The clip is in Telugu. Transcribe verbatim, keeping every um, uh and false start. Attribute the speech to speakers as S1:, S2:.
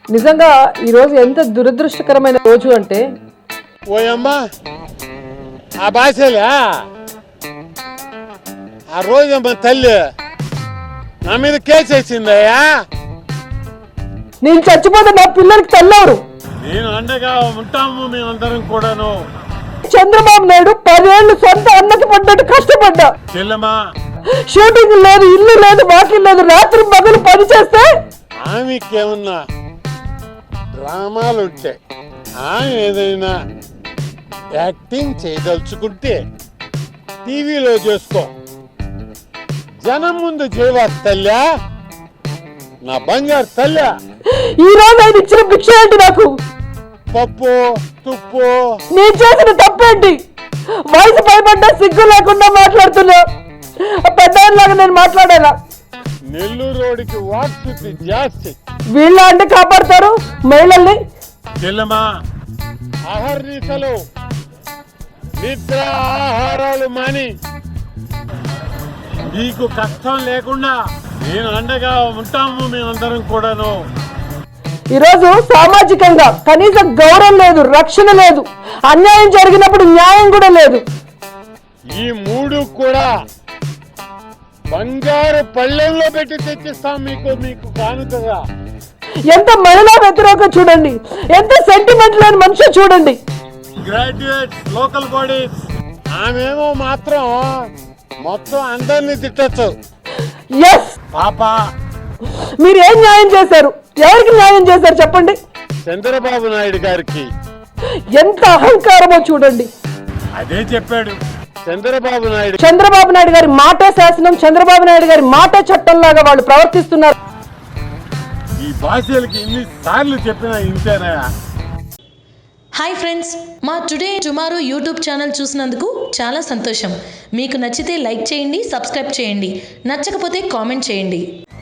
S1: నిజంగా ఈరోజు ఎంత దురదృష్టకరమైన రోజు అంటే
S2: ఓయమ్మా ఆ భాషలే ఆ రోజమ్మ తల్లి నా మీద కేసు వేసిందయ్యా.
S1: నేను చచ్చిపోతే నా పిల్లలకి తెల్లవరు.
S2: నేను అండగా ఉంటాము మేమందరం కూడాను.
S1: చంద్రబాబు నాయుడు పదేళ్ళు సొంత అన్నకి పడ్డట్టు కష్టపడ్డా.
S2: చెల్లెమ్మా
S1: షూటింగ్ లేదు, ఇల్లు లేదు, వాకిల్ లేదు, రాత్రి పగలు పని చేస్తే
S2: ఆమెకేమన్నా డ్రామాలు ఉంటాయి. ఆమె ఏదైనా యాక్టింగ్ చేయదలుచుకుంటే టీవీలో చేసుకో, జనం ముందు చేయవా తల్లా, నా బంగారు తల్లా.
S1: ఈ రోజు ఆయన ఇచ్చిన భిక్ష ఏంటి నాకు?
S2: పప్పు తుప్పు.
S1: నేను చేసిన తప్పేంటి? వయసు భయపడ్డా సిగ్గు లేకుండా మాట్లాడుతున్నా. పెద్దలాగా నేను మాట్లాడాలా?
S2: నెల్లూరు రోడ్డుకి వాట్స్ జాస్తి.
S1: వీళ్ళ అంటే కాపాడతారు మహిళల్ని.
S2: చెల్లెమ్మా ఆహారీతలు నిద్ర ఆహారాలు మాని నీకు కష్టం లేకుండా నేను అండగా ఉంటాము మేమందరం కూడాను.
S1: ఈరోజు సామాజికంగా కనీస గౌరవం లేదు, రక్షణ లేదు, అన్యాయం జరిగినప్పుడు న్యాయం కూడా లేదు.
S2: ఈ మూడు కూడా బంగారు పళ్ళెంలో పెట్టి తెచ్చిస్తాం మీకు మీకు కానుకగా.
S1: ఎంత మహిళా వ్యతిరేక చూడండి, ఎంత సెంటిమెంట్ లేని మనిషి చూడండి.
S2: గ్రాడ్యుయేట్స్ లోకల్ బాడీస్ ఆమెమో మాత్రం మొత్తం అందరినీ తిట్టచ్చు.
S1: ఎస్
S2: పాప
S1: మీరు ఏం న్యాయం చేశారు? ఎవరికి న్యాయం చేశారు చెప్పండి?
S2: చంద్రబాబు నాయుడు గారికి.
S1: ఎంత అహంకారమో చూడండి.
S2: అదే చెప్పాడు చంద్రబాబు నాయుడు.
S1: చంద్రబాబు నాయుడు గారి మాటే శాసనం, చంద్రబాబు నాయుడు గారి మాటే చట్టం లాగా వాళ్ళు ప్రవర్తిస్తున్నారు.
S2: ఈ భాషలకి ఇన్ని సార్లు చెప్పినా ఇంతేనా?
S3: హాయ్ ఫ్రెండ్స్, మా టుడే టుమారో యూట్యూబ్ ఛానల్ చూసినందుకు చాలా సంతోషం. మీకు నచ్చితే లైక్ చేయండి, సబ్స్క్రైబ్ చేయండి, నచ్చకపోతే కామెంట్ చేయండి.